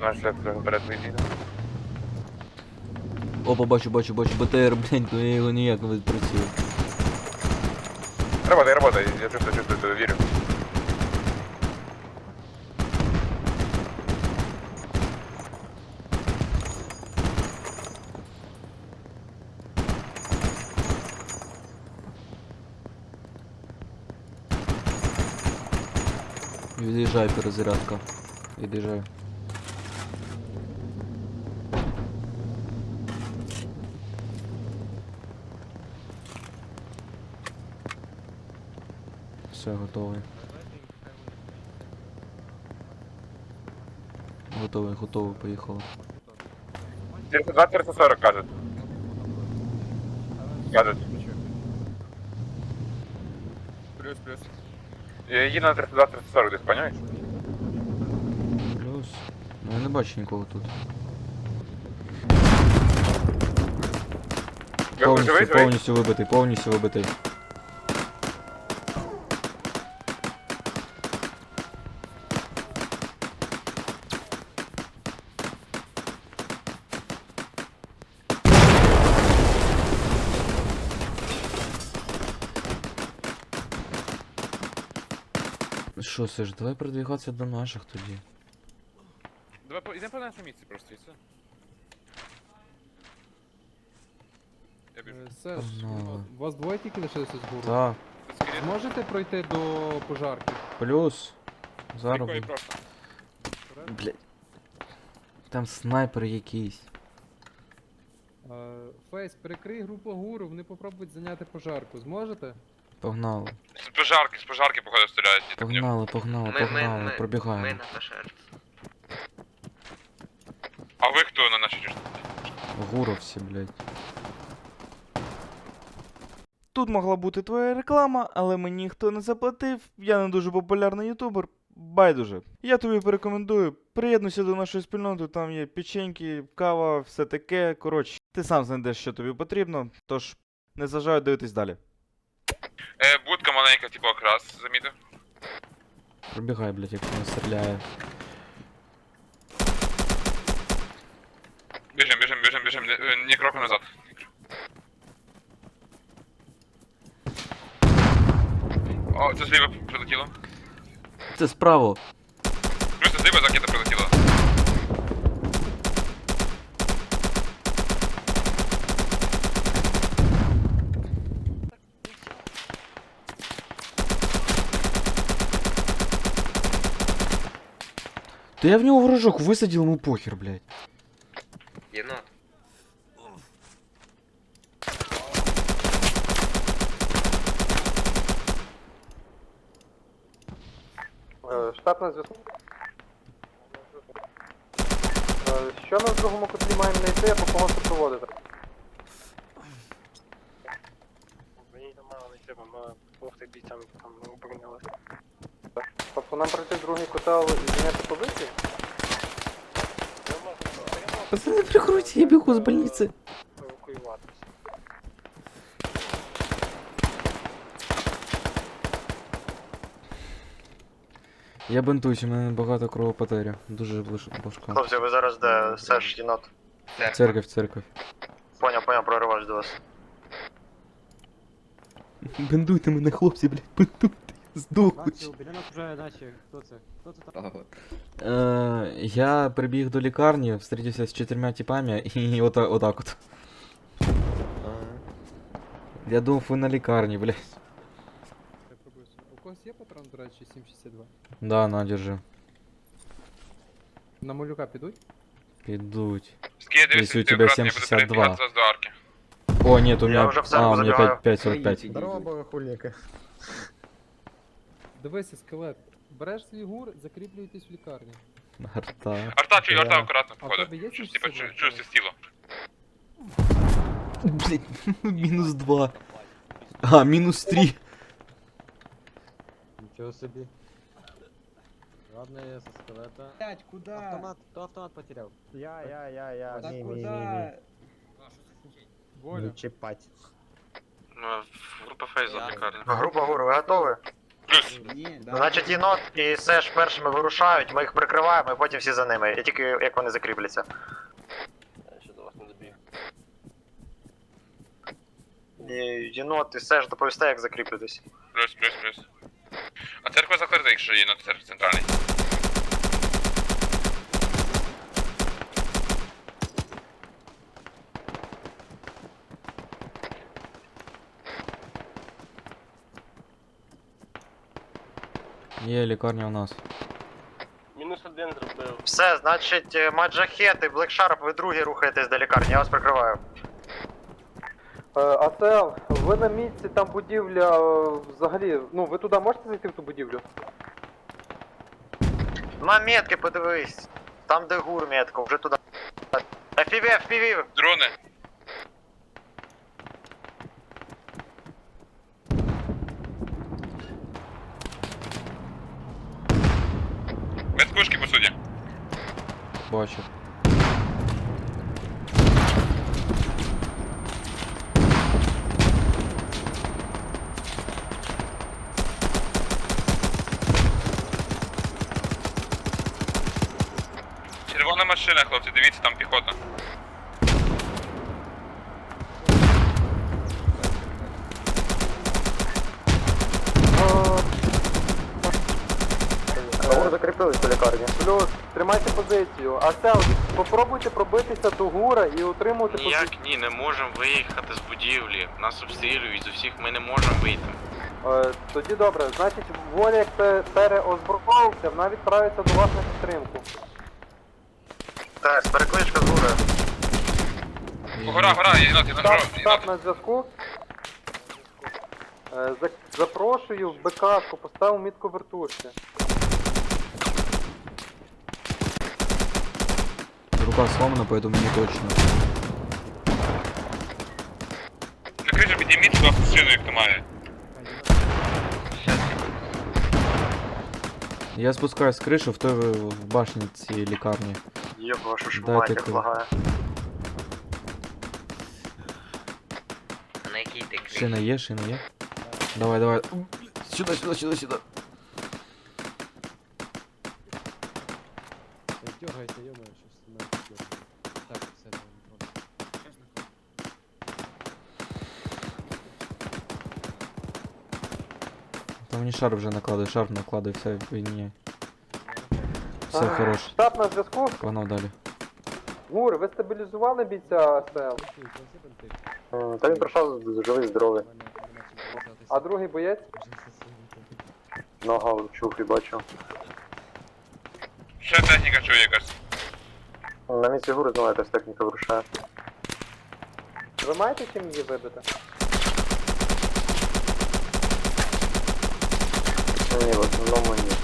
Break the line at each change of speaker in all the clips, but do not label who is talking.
Наш слід вперед вийде.
Опа, бачу БТР, блядь, ну я його ніяк не відпрацюю.
Работай, я чувствую, вірю.
Від'їжджай, перезарядка. Від'їжджай. Все, готовий. Готовий, поїхали.
320-340 кажуть.
Плюс.
Їду на 320-340 десь, понимаєш?
Плюс. Ну я не бачу нікого тут.
Живий?
Повністю вибитий. Що, Сеш, давай продвигатися до наших тоді.
Давай йдемо по нашій місці просто, і все. Я біжу.
Сеш,
Погнали.
у вас двоє тільки лишилися з гуру?
Так,
Зможете пройти до пожарки?
плюс. Зараз.
Прикольно
буду.
просто.
Блядь. Там снайпер якийсь.
Фейс, перекрий групу гуру, вони попробують зайняти пожарку. Зможете?
Погнали.
З пожарки, походу, стріляють.
Погнали,
Ми
пробігаємо.
на пожарці.
А ви хто на нашій річці?
Гуровці, блядь.
Тут могла бути твоя реклама, але мені ніхто не заплатив, я не дуже популярний ютубер. Байдуже. Я тобі порекомендую, приєднуйся до нашої спільноти, там є печеньки, кава, все таке. Коротше, ти сам знайдеш, що тобі потрібно, тож не заважаю дивитись далі.
Будка маленька, типу окрас, замітив.
Пробігай, блядь, якщо не стріляє.
Біжим, ні кроку назад. О, це зліва прилетіло.
Це справа.
Плюс зліва ракета прилетіла.
Да я в нього ворожок висадив, ему похер, блядь.
Єнот.
Штаб на зв'язку. Що ми в другому котлі маємо знайти, або кого супроводити?
Мені там мало не треба, мало допомогти бійцям там оборонялися.
Тобто нам пройти в другий котел і зайняти позиції?
Пацаны, прикройте, я бегу с больницы.
Евакуюватися.
Я бинтуюсь, у мене багато кровопотері. Дуже важко.
Хлопці, ви зараз де? Сеш, єнот.
Церковь.
Поняв, проривач до вас.
Бинтуйте мене, хлопці, блядь, бинтуйте. Здохнуть.
Біля нас вже наші. Хто це? Хто це там?
Я прибіг до лікарні, встретився з 4 типами і отак от. Я думав, ви на лікарні, блядь.
Я пробую. У когось є патрон, до речі, 7,62?
Да, на, держи.
На малюка підуть?
Підуть.
Скидывайся,
Если у тебя 72.
до арки.
О, нет, у меня...
уже в церковь
у меня
забегаю.
5.45.
Здорово, богохульники.
Дивися, скелет. Береш свій гур, закріплюєтесь в лікарні.
Арта.
Арта акуратно,
А в
походу.
тебе є
Щось,
7,62?
типа, чуєш стіло.
Блять, минус 2. А, минус 3.
Нічого собі. Ладно, я со скелета.
Блять, куда?
Автомат, хто автомат потеряв?
Я.
Да куда?
Воля.
чіпать.
Група фейза в лікарні.
Група гуру, ви готові?
Плюс.
Значить, єнот і Сеш першими вирушають, ми їх прикриваємо і потім всі за ними. І тільки як вони закріпляться. І єнот і Сеш доповісте, як закріплюватись.
Плюс, плюс, плюс. А церква закрита, якщо є на церкві центральний.
Є лікарня у нас.
Мінус один зробив.
Все, значить, Маджахет і Блекшарп, ви другі рухаєтесь до лікарні, я вас прикриваю. АТЛ, ви на місці, там будівля взагалі, ну ви туди можете зайти в ту будівлю? На метки подивись, там де гур метка, вже туди. FPV!
Дрони. Без пушки, по суді.
Бачу.
Червона машина, хлопці, дивіться, там піхота.
Гур закріпились до лікарні. Плюс, тримайте позицію. АТЛ, попробуйте пробитися до гура і утримувати позицію.
Ніяк ні, не можемо виїхати з будівлі. Нас обстрілюють з усіх, ми не можемо вийти.
Тоді добре, значить, воля як переозброївся, вона відправиться до вас на підтримку. Так, перекличка з гура.
Гора, єнот,
Штаб на зв'язку. Запрошую в БКшку, поставив мітку вертушки.
Рука сломана, поэтому не точно.
На кришу підніміть, будь ласка, шину, як то має.
Я спускаюсь с крыши в той в башне цієї лікарні.
Є вашу ж
Дайте
мать, як
ти.
лагає.
На якій ти криші?
Шина є, шина є. Давай, давай. Сюда, сюда, сюда, сюда.
Дергайте, ё-моё, щас на дёргаю. Так, все, давай.
Там мені шар вже накладує, шар накладує, все, відміняй. Все, хорош.
Штаб на зв'язку.
Погнав далі.
Гур, ви стабілізували бійця АСЛ? Та він пройшов живий, здоровий. А другий боєць? Нога в чухлі бачу.
Ще техніка чує якась.
На місці гури знову якась техніка вирушає. Ви маєте чим її вибити? Ні, в основному ні.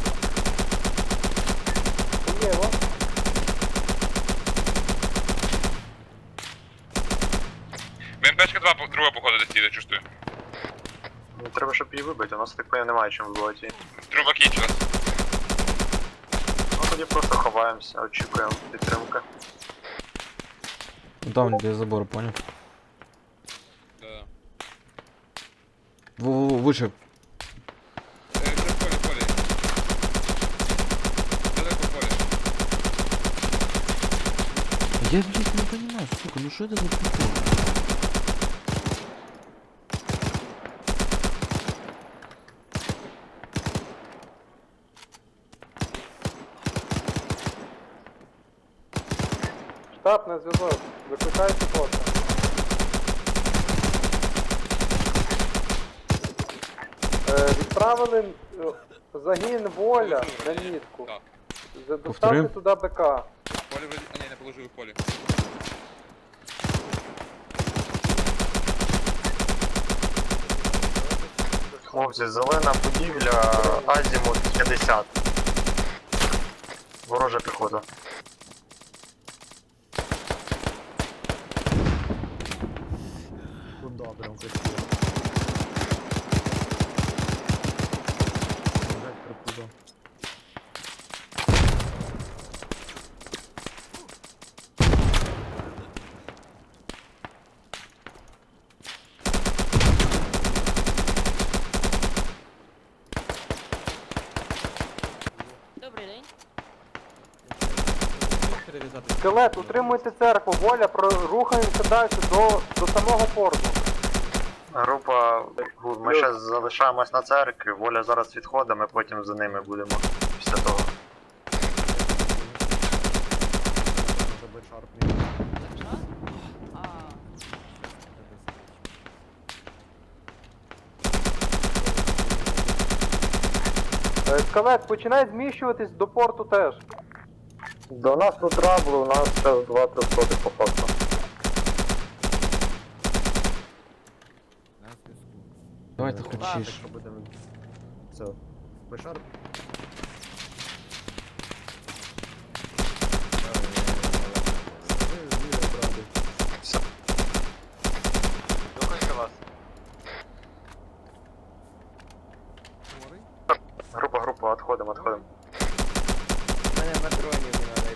Є, о.
БМПшка друга походу десь їде, чувствую.
Ну, треба, щоб її вибити, у нас так поняв немає чим вибивати її.
Труба кінчилась.
Ну тоді просто ховаємося, очікуємо підтримки.
Ну там без забора, понял?
Да.
Во-во-во, выше.
Це в полі. Далеко в полі.
Я, блядь, не понимаю, сука, ну что это за прикол?
Штаб на зв'язок, викликайте поста. Відправили загін воля на мітку.
Так.
Доставте туди БК.
Полі вроді... А ні, не положив в полі.
Хлопці, зелена будівля, азімут 50. Ворожа піхота.
Куда прям красиво. Нажать прокуда. перев'язати.
Скелет, утримуйте церкву, Воля, рухаємося далі до самого порту.
Група, ми ще залишаємось на церкві, Воля зараз відходить, ми потім за ними будемо після того.
Забити шарп.
Скелет, починай зміщуватись до порту теж.
До нас тут траблу, у нас ще 2-3 соти по факту.
На зв'язку.
Давай ти хочеш.
Якщо будемо... Все. Б-шарп.
Слухайте вас. Група, відходимо.
Мене патронів не надо.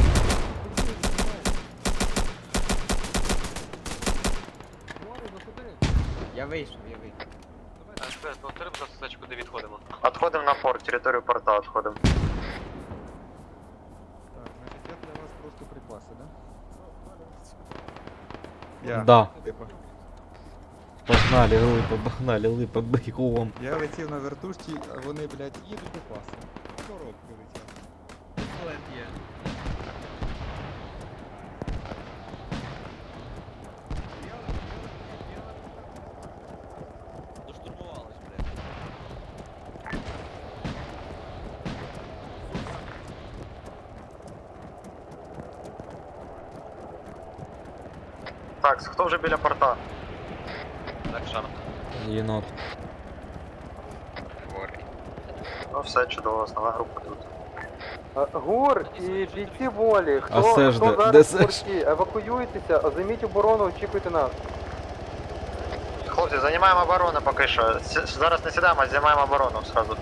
Я вийшов.
Повтори, будь ласка, куди відходимо.
Відходимо на порт, територію порта відходимо.
Так, значить я для вас просто припаси, да?
Да.
Типа.
Погнали, липа, бігом.
Я летів на вертушці, а вони, блядь, їдуть до паси. Коробки летять.
Доштурмувались, блядь.
Так, хто вже біля порта?
Так, шарп.
Єнот.
Ну все, чудово, основна група тут.
Гур і бійці Волі,
А
хто
Сеш де?
зараз
Де
в
Сеш?
порті, евакуюйтеся, займіть оборону, очікуйте нас.
Хлопці, займаємо оборону поки що. Зараз не сідаємо, а займаємо оборону сразу.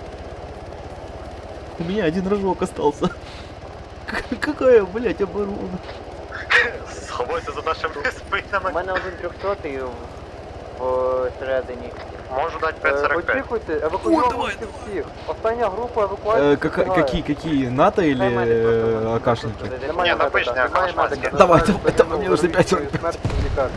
У меня один рожок остался. Какая, блядь, оборона?
Сховайся за нашими спинами.
мене один 300-й всередині.
Можу дати 5.45.
Очікуйте, евакуюйтеся всіх. Остання група евакуації.
Какие, НАТО или АКшники?
Ні, напишні, акашматики.
Давай, мне уже 5
Смерть лікарні.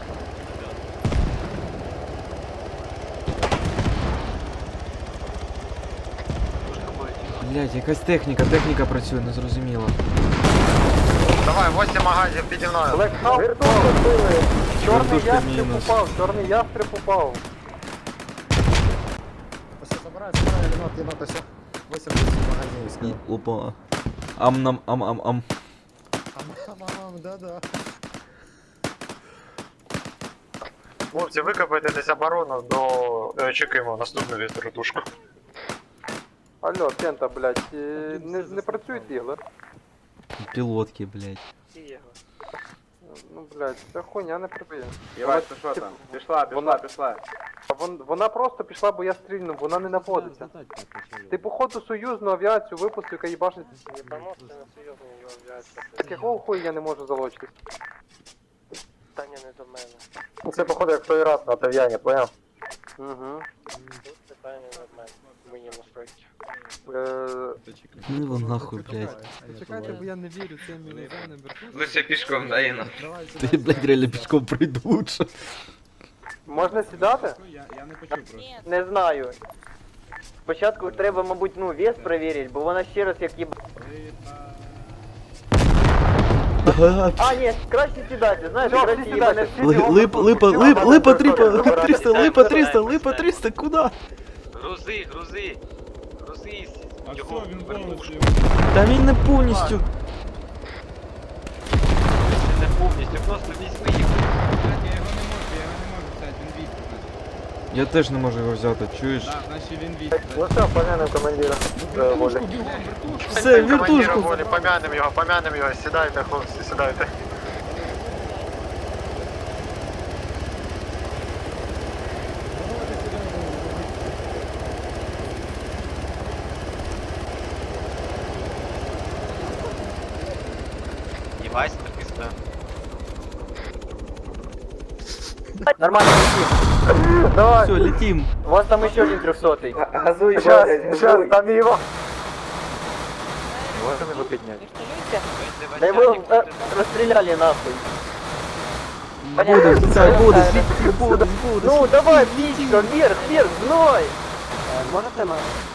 Блядь, якась техніка працює, не зрозуміло.
Давай, 8 магазів піді мною.
Блекхаус впав. Чорний
Вертушка
ястреб
мінус.
упав, чорний ястреб упав.
Все, забирай, єнот, ось. 80 магазинів скинув.
Опа. Ам-нам,
Да-да.
Хлопці, викопайте десь оборону до... Чекаємо наступну вертушку.
Алло, Кента, блядь, не працюють ігли?
Пілотки, блядь.
Ну, блядь, ця хуйня не прибиє.
Єбать, ти що там? Пішла.
Вона просто пішла, бо я стрільнув, вона не наводиться. Ти походу союзну авіацію випустив, яка їбашить. Так якого хуя я не можу залочитись?
Питання не до мене. Це, походу, як той раз на Тав'яні, поняв?
Угу.
Питання не до мене. Мені настройки.
Ну его нахуй, блядь.
Почекайте, бо я не вірю цим іноземним вертушкам.
Лише пішком, да, Єнот?
Ты, блядь, реально пешком пройду лучше.
Можна сідати?
Я не почув просто.
Не знаю. Спочатку треба, мабуть, вес перевірити, бо вона ще раз як їб... А, ні, краще сідати, знаєш,
Всьо,
краще
всі
їбане.
сідайте.
Липа 300, куда?
Грузи. Його вертушку.
Та він не повністю.
Не повністю, просто візьми їх.
Я його не можу взяти, він військ.
Я теж не можу його взяти, чуєш?
Так, значить він військ.
Ну все, помянем командира. Волі.
Все,
Командира
вертушку.
Волі, помянем його, сідайте, хлопці, сідайте.
Єбать, так пізда.
Нормально летим.
Давай,
Все, летим.
У вас там еще один 300-й.
сейчас, там его. Можемо його підняти.
Да его расстреляли нахуй.
Буде, це буде, буде.
Ну давай, птичка, вверх, вверх, гной!
Можете нас?